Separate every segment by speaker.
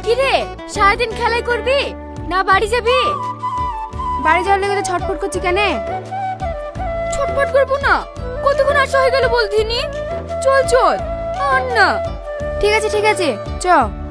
Speaker 1: রে, সারাদিন খেলাই করবি না বাড়ি যাবি?
Speaker 2: বাড়ি যাওয়ার লেগে তো ছটফট করছি কেন?
Speaker 1: ছটফট করবো না, কতক্ষণ আসা হয়ে গেল বলতিনি। চল চল, আর না।
Speaker 2: ঠিক আছে ঠিক আছে, চ।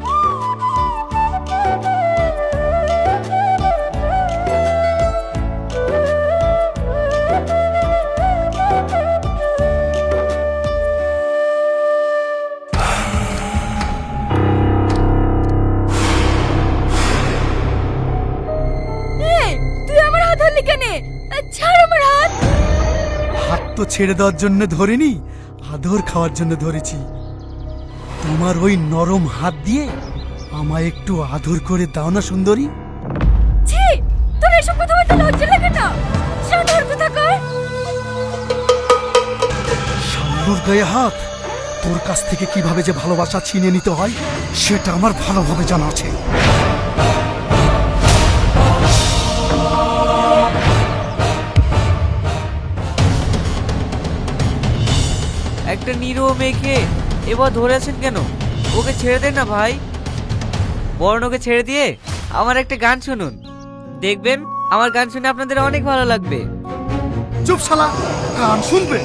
Speaker 1: এই, তুই আমার হাত ধরলি কেন? ছাড় আমার হাত।
Speaker 3: হাত তো ছেড়ে দেওয়ার জন্য ধরিনি, আদর খাওয়ার জন্য ধরেছি। তোমার ওই নরম হাত দিয়ে আমায় একটু আদর করে দাও না সুন্দরী।
Speaker 1: ছি, তোর এসব কথা বলতে লজ্জা লাগে না? শান্ত হর কথা কর।
Speaker 3: শামলুর গায়ে হাত, তোর কাছ থেকে কিভাবে যে ভালোবাসা ছিনিয়ে নিতে হয় সেটা আমার ভালোভাবে জানা আছে।
Speaker 4: একটা নিরীহ মেয়েকে এবার ধরেছেন কেন? ওকে ছেড়ে দেন না ভাই। বরং ওকে ছেড়ে দিয়ে আমার একটা গান শুনুন, দেখবেন আমার গান শুনে আপনাদের অনেক ভালো লাগবে।
Speaker 3: চুপ শালা, গান শুনবে?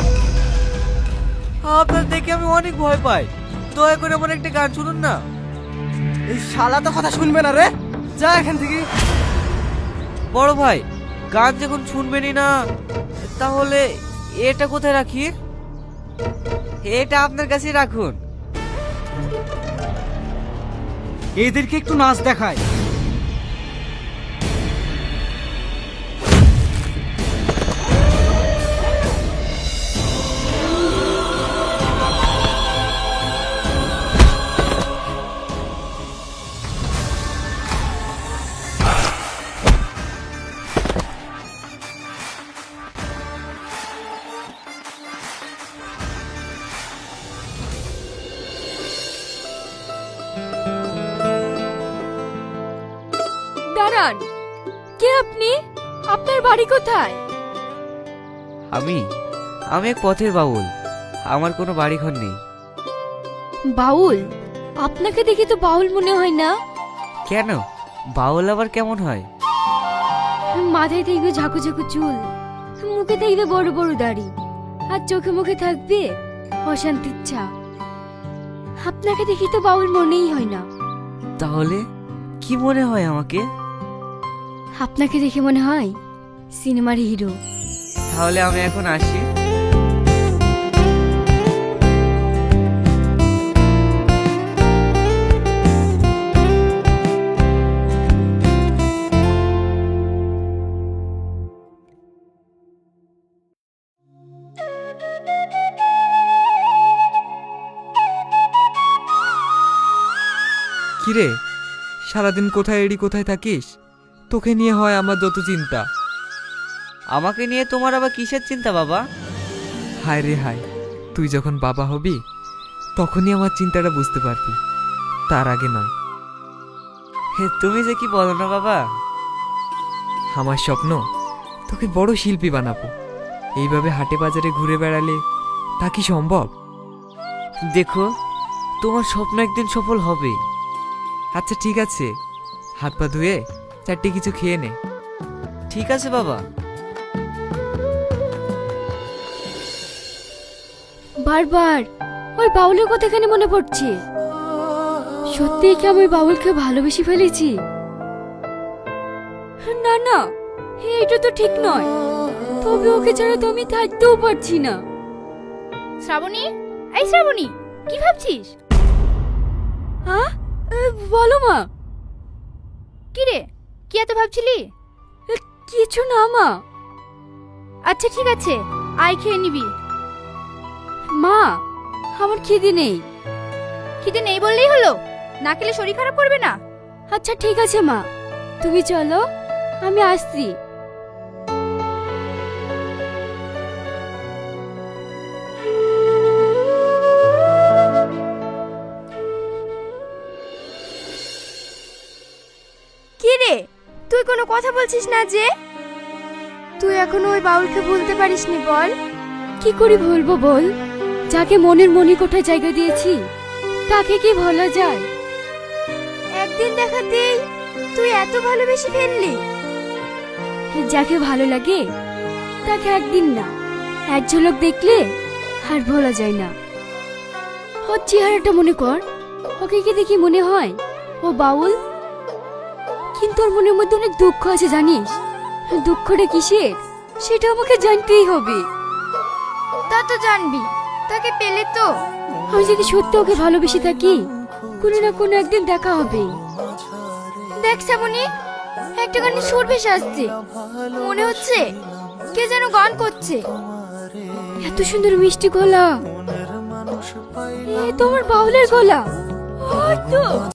Speaker 4: আপনার দেখে আমি অনেক ভয় পাই, দয়া করে আমার একটা গান শুনুন না।
Speaker 5: এই শালা তো কথা শুনবে না রে, যা এখান থেকে।
Speaker 4: বড় ভাই, গান যখন শুনবেনই না, তাহলে এটা কোথায় রাখি? এটা আপনার কাছে রাখুন।
Speaker 5: এদেরকে একটু নাচ দেখায়।
Speaker 1: দাঁড়ান, কে আপনি? আপনার বাড়ি কোথায়?
Speaker 4: আমি এক পথের বাউল, আমার কোনো বাড়ি ঘর নেই।
Speaker 1: বাউল? আপনাকে দেখে তো বাউল মনে হয় না।
Speaker 4: কেন, বাউল আবার কেমন হয়?
Speaker 1: মাথায় দেখবে ঝাঁকু ঝাঁকু চুল, মুখে দেখবে বড় বড় দাড়ি, আর চোখে মুখে থাকবে অশান্তির ছাপ। আপনাকে দেখি তো বাউল মনেই হয় না।
Speaker 4: তাহলে কি মনে হয় আমাকে?
Speaker 1: আপনাকে দেখে মনে হয় সিনেমার হিরো।
Speaker 4: তাহলে আমি এখন আসি।
Speaker 6: কিরে, সারাদিন কোথায় এড়ি কোথায় থাকিস? তোকে নিয়ে হয় আমার যত চিন্তা।
Speaker 4: আমাকে নিয়ে তোমার আবার কিসের চিন্তা বাবা?
Speaker 6: হায় রে হায়, তুই যখন বাবা হবি তখনই আমার চিন্তাটা বুঝতে পারবি, তার আগে নয়।
Speaker 4: হে, তুমি যে কি বলো না বাবা।
Speaker 6: আমার স্বপ্ন তোকে বড় শিল্পী বানাবো। এইভাবে হাটে বাজারে ঘুরে বেড়ালে তা কি সম্ভব?
Speaker 4: দেখো, তোমার স্বপ্ন একদিন সফল হবে।
Speaker 6: আচ্ছা ঠিক আছে, হাত পা ধুয়ে চারটে কিছু খেয়ে নে।
Speaker 4: ঠিক আছে বাবা।
Speaker 1: বারবার ওই বাউলের কথা কেন মনে পড়ছে? সত্যিই কি আমি বাউলকে ভালোবেসে ফেলেছি? না না, এটা তো ঠিক নয়। তবে ওকে ছাড়া তো আমি থাকতেও পারছি না।
Speaker 2: শ্রাবণী, এই শ্রাবণী, কি ভাবছিস?
Speaker 1: হ্যাঁ, বলো মা।
Speaker 2: কি রে, কি এত ভাবছিলি?
Speaker 1: কিছু না মা।
Speaker 2: আচ্ছা ঠিক আছে, আয় খেয়ে নিবি।
Speaker 1: মা, আমার খিদে নেই।
Speaker 2: খিদে নেই বললেই হলো? না খেলে শরীর খারাপ করবে না?
Speaker 1: আচ্ছা ঠিক আছে মা, তুমি চলো, আমি আসছি।
Speaker 2: কি রে, তুই কোনো কথা বলছিস না যে? তুই এখনো ওই বাউলকে ভুলতে পারিসনি বল?
Speaker 1: কি করে ভুলবো বল? যাকে মনের মণিকোঠায় জায়গা দিয়েছি তাকে কি ভোলা যায়?
Speaker 2: একদিন দেখাতেই তুই এত ভালোবেসে ফেললি?
Speaker 1: যাকে ভালো লাগে তাকে একদিন না, এক ঝলক দেখলে আর ভোলা যায় না। ওর চেহারাটা মনে কর, ওকে কি দেখি মনে হয় ও বাউল? কিন্তু ওর মনের মধ্যে অনেক দুঃখ আছে জানিস। দুঃখটা কিসের সেটা আমাকে জানতেই হবে।
Speaker 2: তা তো জানবি, তাকে পেলে তো।
Speaker 1: আমি যদি সত্যি ওকে ভালোবেসে থাকি, কোনো না কোনো একদিন দেখা হবে।
Speaker 2: দেখ শ্রাবণী, একটা গানের সুর ভেসে আসছে, মনে হচ্ছে কে যেন গান করছে।
Speaker 1: এত সুন্দর মিষ্টি গলা, এ তোমার বাউলের গলা। ওই তো।